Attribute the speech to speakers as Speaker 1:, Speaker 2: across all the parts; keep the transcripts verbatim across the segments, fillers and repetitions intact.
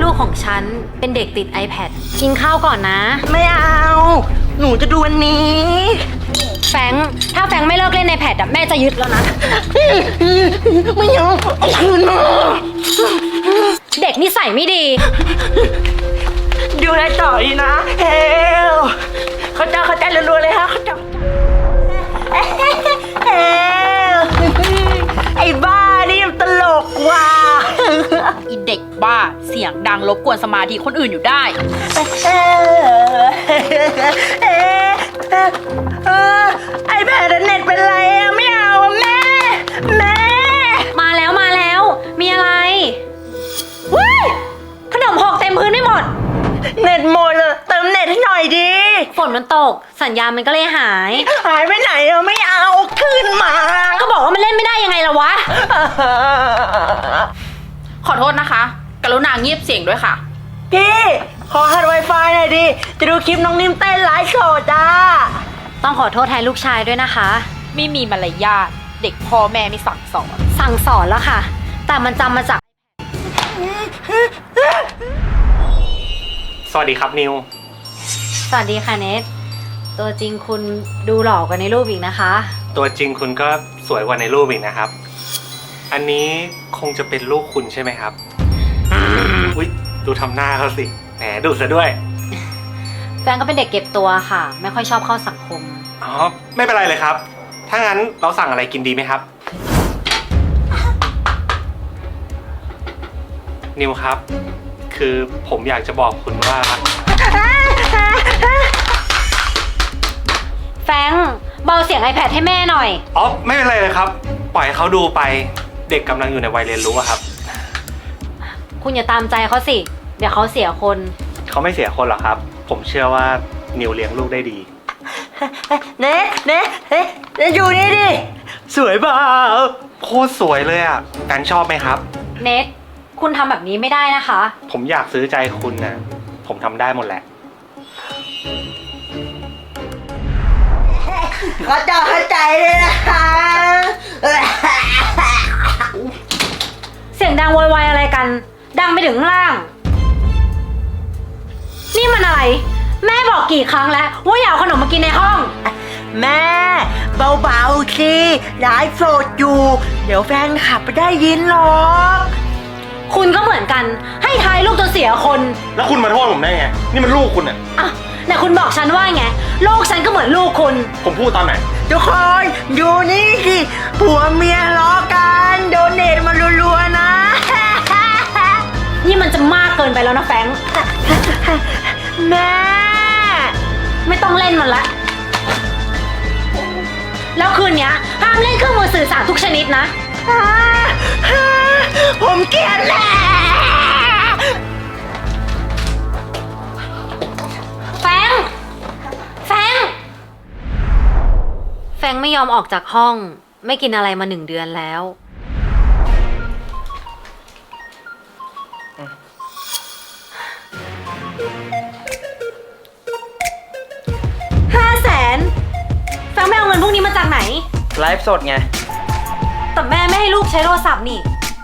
Speaker 1: ลูกของฉันเป็นเด็กติด iPad กินข้าวก่อนนะ
Speaker 2: ไม่เอา หนูจะดูวันนี้
Speaker 1: แฟรงค์ถ้าแฟรงค์ไม่เลิกเล่น iPad อะแม่จะยึดแล้วนะ
Speaker 2: ไม่เอาเอาคืนมา
Speaker 1: เด็กนิสัยไม่ดี
Speaker 2: ดูแลต่อดีนะเฮลเขาจะเขาจะรัวๆเลยฮะเขาจะเฮลไอ้บ้านี่มันตลกว่ะ
Speaker 3: อีเด็กบ้าเสียงดังรบกวนสมาธิคนอื่นอยู่ได้
Speaker 2: ไอ้แพดเน็ตเป็นไรอะไม่เอาอะแม่ แม่
Speaker 1: มาแล้วมาแล้ว มีอะไรว้ายขนมหกเต็มพื้นไม่หมด
Speaker 2: เน็ตหมดอะเติมเน็ตให้หน่อยดิ
Speaker 1: ฝนมันตก สัญญาณมันก็เลยหาย
Speaker 2: หายไปไหนอะไม่เอาคืนมา
Speaker 1: ก็บอกว่ามันเล่นไม่ได้ยังไงล่ะวะ
Speaker 3: ขอโทษนะคะ กรุณาเงียบเสียงด้วยค่ะ
Speaker 2: พี่ขอหัด Wi-Fi หน่อยดิ จะดูคลิปน้องนิ่มเต้นไลฟ์สดจ้า
Speaker 1: ต้องขอโทษแทนลูกชายด้วยนะคะ
Speaker 3: ไม่มีมารยาทเด็กพ่อแม่ไม่สั่งสอน
Speaker 1: สั่งสอนแล้วค่ะ แต่มันจำมาจาก
Speaker 4: สวัสดีครับนิว
Speaker 1: สวัสดีค่ะเนทตัวจริงคุณดูหล่อกว่าในรูปอีกนะคะ
Speaker 4: ตัวจริงคุณก็สวยกว่าในรูปอีกนะครับ อันนี้คงจะเป็นลูกคุณใช่ไหมครับ อุ๊ยดูทำหน้าเขาสิ แหมดุซะด้วย
Speaker 1: แฟนก็เป็นเด็กเก็บตัวค่ะ ไม่ค่อยชอบเข้าสังคม
Speaker 4: อ๋อ ไม่เป็นไรเลยครับ ถ้างั้นเราสั่งอะไรกินดีไหมครับ นิวครับ คือผมอยากจะบอกคุณว่า
Speaker 1: แฟรงค์เบาเสียง iPad ให้แม่หน่อย
Speaker 4: อ๋อ ไม่เป็นไรเลยครับ ปล่อยให้เขาดูไป เด็กกำลังอยู่ในวัยเรียนรู้อะครับ
Speaker 1: คุณอย่าตามใจเขาสิ เดี๋ยวเขาเสียคน
Speaker 4: เขาไม่เสียคนหรอกครับ ผมเชื่อว่านิวเลี้ยงลูกได้ดี
Speaker 2: เน็ตเน็ตเฮ้ยเน็ตอยู่นี่ดิ สวยเปล่า
Speaker 4: โคตรสวยเลยอ่ะแฟนชอบไหมครับ
Speaker 1: เนทคุณทำแบบนี้ไม่ได้นะคะ
Speaker 4: ผมอยากซื้อใจคุณนะผมทำได้หมดแหละ
Speaker 2: เขาจะเข้าใจเลยนะคะ
Speaker 1: เสียงดังโวยวายอะไรกัน ดังไปถึงข้างล่าง นี่มันอะไร แม่บอกกี่ครั้งแล้วว่าอย่าเอาขนมมากินในห้อง
Speaker 2: แม่เบาๆสิไลฟ์สดอยู่ เดี๋ยวแฟนขับไปได้ยินหรอก
Speaker 1: คุณก็เหมือนกัน ให้ทายลูกจนเสียคน
Speaker 4: แล้วคุณมาโทษผมได้ไง นี่มันลูกคุณอ่ะ
Speaker 1: อ่ะแต่คุณบอกฉันว่าไง ลูกฉันก็เหมือนลูกคุณ
Speaker 4: ผมพูดตอนไหน
Speaker 2: ทุกคนอยู่นี่สิผัวเมียล้อกันโดเนทมารัวๆนะ
Speaker 1: นี่มันจะมากเกินไปแล้วนะแฟรงค์
Speaker 2: แม่
Speaker 1: ไม่ต้องเล่นมันละ แล้วคืนเนี้ยห้ามเล่นเครื่องมือสื่อสารทุกชนิดนะ
Speaker 2: ผมเกลียดแม่
Speaker 1: แฟรงค์แฟรงค์แฟรงค์ไม่ยอมออกจากห้อง ไม่กินอะไรมาหนึ่งเดือนแล้วห้าแสนแฟรงค์ไม่เอาเงินพวกนี้มาจากไหน
Speaker 5: ไลฟ์สดไง
Speaker 1: แต่แม่ไม่ให้ลูกใช้โทรศัพท์นี่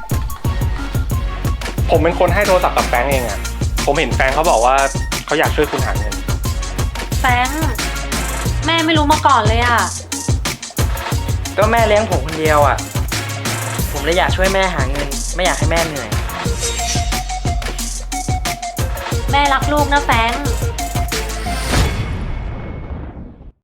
Speaker 4: ผมเป็นคนให้โทรศัพท์กับแฟรงค์เองอ่ะ ผมเห็นแฟรงค์เขาบอกว่าเขาอยากช่วยคุณหาเงิน
Speaker 1: แฟรงค์แม่ไม่รู้มาก่อนเลยอะ
Speaker 5: ก็แม่เลี้ยงผมคนเดียวอ่ะ ผมเลยอยากช่วยแม่หาเงิน ไม่อยากให้แม่เหนื่อย
Speaker 1: แม่รักลูกนะแฟรงค์